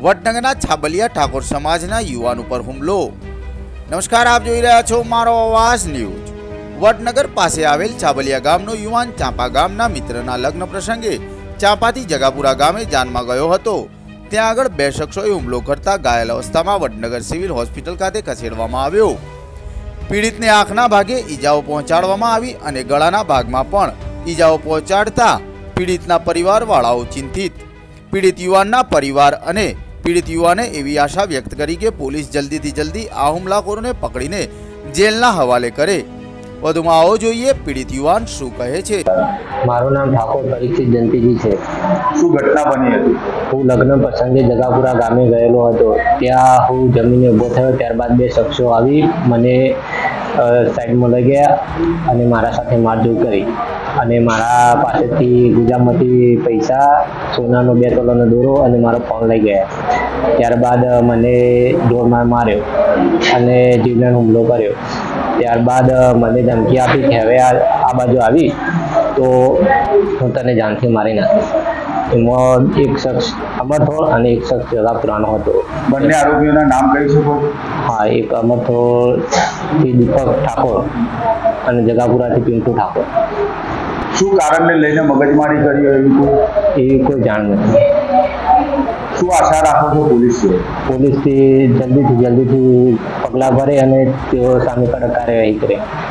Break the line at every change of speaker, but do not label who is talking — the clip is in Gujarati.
વડનગરના છાબલિયા ઠાકોર સમાજના યુવાન ઉપર હુમલો। નમસ્કાર, આપ જોઈ રહ્યા છો મારો અવાજ ન્યૂઝ। વડનગર પાસે આવેલ છાબલિયા ગામનો યુવાન ચાંપા ગામના મિત્રના લગ્ન પ્રસંગે ચાંપાથી જગાપુરા ગામે જાનમાં ગયો હતો। ત્યાં આગળ બે શખ્સોએ હુમલો કરતા ઘાયલ અવસ્થામાં વડનગર સિવિલ હોસ્પિટલ ખાતે ખસેડવામાં આવ્યો। પીડિતને આંખના ભાગે ઈજાઓ પહોંચાડવામાં આવી અને ગળાના ભાગમાં પણ ઈજાઓ પહોંચાડતા પીડિતના પરિવારવાળાઓ ચિંતિત। પીડિત યુવાનના પરિવાર અને પીડિત યુવાને એવી આશા વ્યક્ત કરી કે પોલીસ જલ્દીથી જલ્દી આ હુમલાખોરોને પકડીને જેલના હવાલે કરે। વધુમાં આવો જોઈએ પીડિત યુવાન શું કહે છે।
મારું નામ ઠાકોર પરીક્ષિત જયંતિજી છે।
શું ઘટના બની હતી?
હું લગ્ન પ્રસંગે જગાપુરા ગામે ગયેલો હતો। ત્યાં હું જમીને ઊભો થયો, ત્યારબાદ બે શખ્સો આવી મને સાઈડમાં લઈ ગયા અને મારા સાથે મારઝૂડ કરી અને મારા પાસેથી ગુજામાંથી પૈસા, સોનાનો 2 તોલાનો દોરો અને મારો ફોન લઈ ગયા। ત્યારબાદ મને જોરમાર માર્યો અને જીવલેણ હુમલો કર્યો। ત્યારબાદ મને ધમકી આપી કે હવે આ બાજુ આવી તો હું તને જાનથી મારી નાખીશ। એમાં એક શખ્સ અમરથોળ અને એક શખ્સ જગાપુરાનો હતો।
બંને આરોપીઓના નામ કહી શકો?
હા, એક અમરથોળથી દીપક ઠાકોર અને જગાપુરાથી પિન્ટુ ઠાકોર।
શું કારણને લઈને મગજમારી કરી
એવી કોઈ જાણ નથી।
શું આશા રાખો છો
પોલીસથી જલ્દીથી પગલાં ભરે અને તેઓ સામે કડક કાર્યવાહી કરે।